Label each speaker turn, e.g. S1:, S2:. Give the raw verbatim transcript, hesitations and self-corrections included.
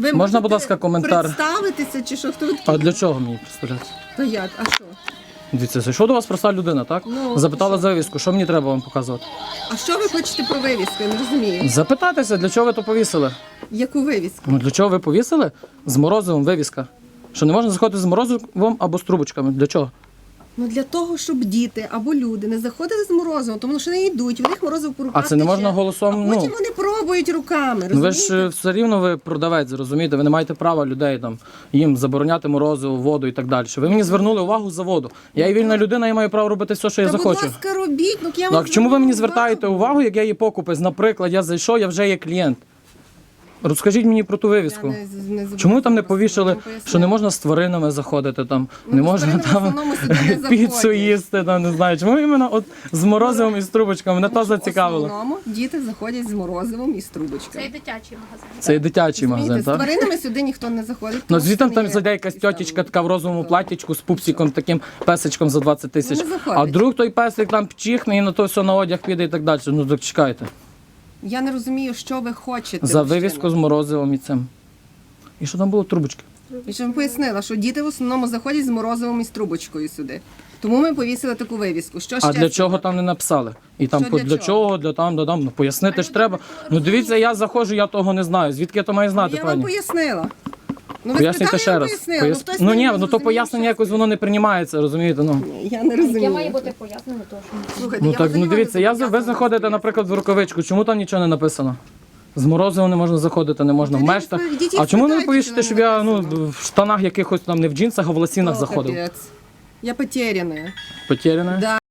S1: Ви
S2: Можна, будь ласка, коментар?
S1: Представитися чи що? Хто ви такі?
S2: А для чого мені представлятися?
S1: То як? А що?
S2: Дивіться, зайшов до вас проста людина, так?
S1: Ну,
S2: Запитала
S1: що?
S2: за вивіску, що мені треба вам показувати?
S1: А що ви хочете про вивіску? Я не розумію.
S2: Запитатися, для чого ви то повісили?
S1: Яку вивіску?
S2: Ну для чого ви повісили? З морозивом вивіска. Що не можна заходити з морозивом або з трубочками. Для чого?
S1: Ну для того, щоб діти або люди не заходили з морозивом, тому що не йдуть, у них морозиво по руках
S2: А це не можна
S1: тече.
S2: голосом,
S1: А потім
S2: ну...
S1: вони пробують руками,
S2: Ну ви
S1: розумієте?
S2: ж все рівно ви продавець, розумієте? Ви не маєте права людей там їм забороняти морозиво, воду і так далі. Ви мені звернули увагу за воду. Я є вільна людина, я маю право робити все, що я
S1: Та,
S2: захочу.
S1: будь ласка, робіть. Ну, я
S2: Ну,
S1: вам
S2: а чому ви мені
S1: звернула
S2: звертаєте увагу, як я є покупець? Наприклад, я зайшов, я вже є клієнт. Розкажіть мені про ту вивіску.
S1: Я не- не
S2: Чому там не
S1: зобов'язана
S2: повішали,
S1: вам пояснити.
S2: що не можна з тваринами заходити там,
S1: Ну,
S2: не
S1: з
S2: можна
S1: тваринами в
S2: там
S1: основному сюди не
S2: піцу
S1: заходять.
S2: їсти, там не знаю. Чому іменно от з морозивом і з трубочками? Мене то
S1: В
S2: зацікавило.
S1: основному діти заходять з морозивом і з трубочками.
S3: Це і дитячий магазин.
S2: Це і дитячий магазин,
S1: Розумієте, з
S2: так?
S1: тваринами сюди ніхто не заходить.
S2: Ну
S1: тому
S2: звідти
S1: що
S2: там
S1: не є
S2: зайде якась
S1: якісь
S2: тьотечка
S1: там-
S2: така в розовому платтячку з пупсиком, таким песичком за двадцять тисяч.
S1: Ну, не заходить.
S2: А друг той песик там пчихне і на то все на одяг піде і так далі. Ну так чекайте.
S1: Я не розумію, що ви хочете.
S2: За
S1: мужчина.
S2: вивіску з морозивом і цим. І що там було? Трубочки.
S1: Я ж вам пояснила, що діти в основному заходять з морозивом і з трубочкою сюди. Тому ми повісили таку вивіску. Що
S2: А
S1: ще
S2: для чого
S1: сказати?
S2: там не написали? І там
S1: Що
S2: по-
S1: для
S2: для
S1: чого?
S2: чого, для там, для там. Ну пояснити ж треба. Ну дивіться, я заходжу, я того не знаю. Звідки я то маю знати,
S1: Я вам
S2: пані?
S1: пояснила. Ну, ви
S2: Пояснюйте
S1: спитали,
S2: ще
S1: я вам
S2: раз.
S1: пояснила.
S2: Пояс-
S1: Ну, хтось
S2: Ну
S1: не
S2: ні, ну то
S1: зрозумів,
S2: пояснення
S1: що-
S2: якось воно не приймається, розумієте? Ну.
S1: Я не розумію.
S3: Яке має бути пояснено, то що
S1: Слухайте,
S2: Ну
S1: я
S2: так,
S1: взагалі
S2: ну
S1: не
S2: дивіться, я,
S1: зобов'язана
S2: ви заходите,
S1: вам
S2: наприклад, в рукавичку, чому там нічого не написано? З морозивом не можна заходити, не можна в
S1: Ну, тоді
S2: мештах.
S1: йдіть і
S2: А чому не
S1: спитайте,
S2: повісите,
S1: чому
S2: щоб
S1: не
S2: я ну,
S1: написано?
S2: в штанах якихось там не в джинсах, а в лосінах
S1: О,
S2: заходив?
S1: капець. Я потеряна.
S2: Потеряне?
S1: Да.